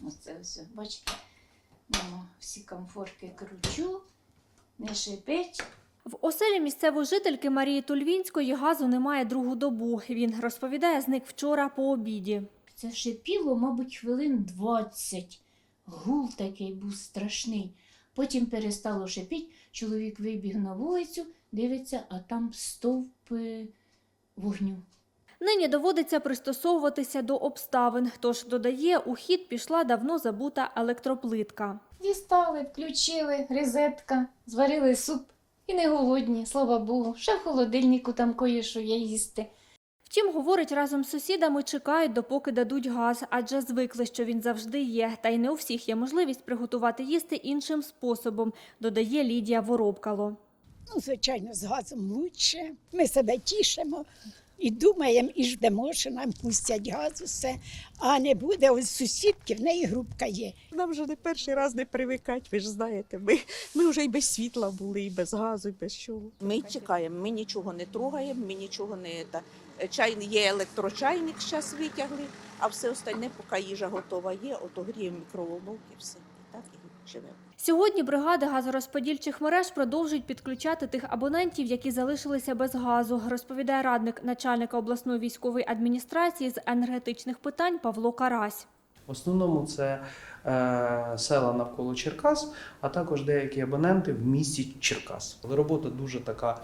Оце ось, бачите, всі комфорки кручу, не шипить. В оселі місцевої жительки Марії Тульвінської газу немає другу добу. Він розповідає, зник вчора по обіді. Це шипіло, мабуть, хвилин 20. Гул такий був страшний. Потім перестало шипіти, чоловік вибіг на вулицю, дивиться, а там стовп вогню. Нині доводиться пристосовуватися до обставин. Тож, додає, у хід пішла давно забута електроплитка. Дістали, включили, розетка, зварили суп і не голодні, слава Богу. Ще в холодильнику там кое-що є їсти. Втім, говорить, разом з сусідами чекають, допоки дадуть газ, адже звикли, що він завжди є. Та й не у всіх є можливість приготувати їсти іншим способом, додає Лідія Воробкало. Звичайно, з газом краще. Ми себе тішимо і думаємо, і ждемо, що нам пустять газ, усе. А не буде, ось сусідки, в неї грубка є. Нам вже не перший раз не привикать, ви ж знаєте. Ми вже і без світла були, і без газу, і без чого. Ми чекаємо, ми нічого не трогаємо, ми нічого не... Є електрочайник, зараз витягли, а все остальне, поки їжа готова є, ото гріємо мікроволновки, все. І так і живемо. Сьогодні бригади газорозподільчих мереж продовжують підключати тих абонентів, які залишилися без газу, розповідає радник начальника обласної військової адміністрації з енергетичних питань Павло Карась. В основному це села навколо Черкас, а також деякі абоненти в місті Черкас. Але робота дуже така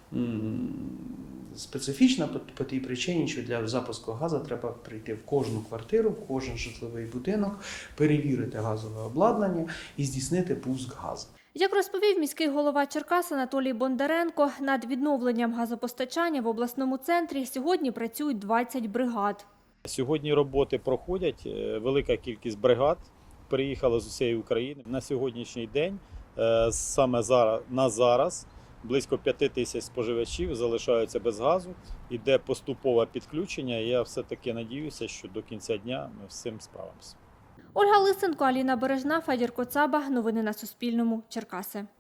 специфічна по тій причині, що для запуску газу треба прийти в кожну квартиру, в кожен житловий будинок, перевірити газове обладнання і здійснити пуск газу. Як розповів міський голова Черкас Анатолій Бондаренко, над відновленням газопостачання в обласному центрі сьогодні працюють 20 бригад. Сьогодні роботи проходять, велика кількість бригад приїхала з усієї України. На сьогоднішній день, саме зараз, близько 5 тисяч споживачів залишаються без газу, іде поступове підключення. Я все-таки надіюся, що до кінця дня ми з цим справимося. Ольга Лисенко, Аліна Бережна, Федір Коцаба. Новини на Суспільному. Черкаси.